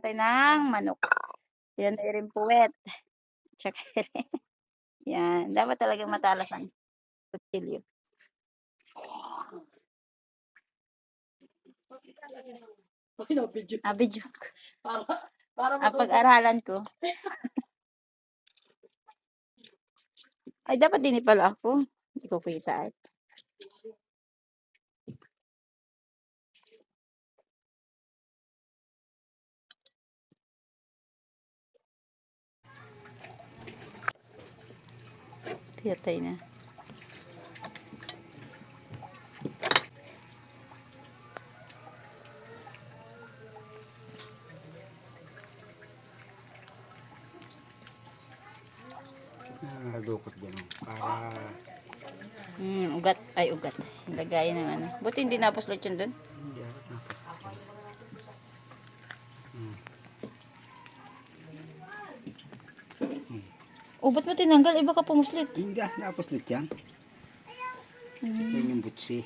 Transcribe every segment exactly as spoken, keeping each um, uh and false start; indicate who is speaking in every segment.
Speaker 1: natin ng manok. Yan ay rin puwet. Tsaka rin yan, dapat talagang matalas ang kutsilyo. Ah, video ko. Ah, pag-aralan ko. Ay, dapat din pala ako. Hindi ko kita eh. Piyatay na.
Speaker 2: Nadukot din para
Speaker 1: Hmm, ugat. Ay, ugat. Lagayan ng ano. Buti hindi napuslit yun dun.
Speaker 2: hindi ako tapos. Hmm.
Speaker 1: O, ba't mo tinanggal? Iba ka pumuslit.
Speaker 2: Hindi ah, napuslit yan.
Speaker 1: Hmm.
Speaker 2: Yan yung butsi.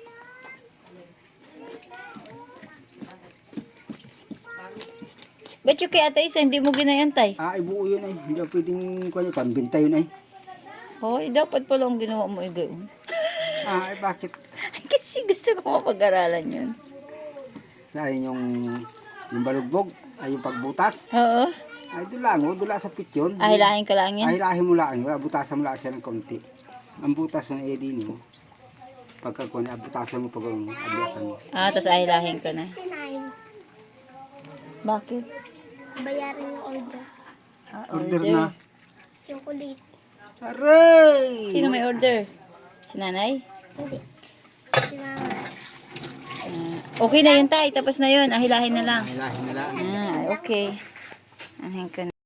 Speaker 1: Ba't yung kay Ate Isa, hindi mo ginayantay?
Speaker 2: Ah, ibuo yun ay. Hindi ako pwedeng kuha pambinta yun ay.
Speaker 1: Hoy, dapat pala ang ginawa mo igaw.
Speaker 2: Ah, eh bakit?
Speaker 1: Kasi gusto ko mapag-aralan yun.
Speaker 2: Sayang yung yung balugbog ay yung pagbutas.
Speaker 1: Oo.
Speaker 2: Ay dulang o, dula sa pit yun.
Speaker 1: Ahilahin ka lang yan.
Speaker 2: Ahilahin mo lang yun. Butasan mo lang siya ng konti. Ang butas ng edin mo. Pagkakuha na, butasan mo pag abiyasan mo.
Speaker 1: Ah, tapos ahilahin ka na.
Speaker 3: sixty-nine.
Speaker 1: Bakit?
Speaker 3: Bayaran yung order.
Speaker 1: Ah,
Speaker 2: Order na.
Speaker 3: Chocolate.
Speaker 2: Aray!
Speaker 1: Sino may order? Si nanay?
Speaker 3: Hindi. Si mama.
Speaker 1: Ah, okay na yun tay, tapos na yun. Ahilahin na lang.
Speaker 2: Ahilahin na lang.
Speaker 1: Ah, okay. Ahin ka na.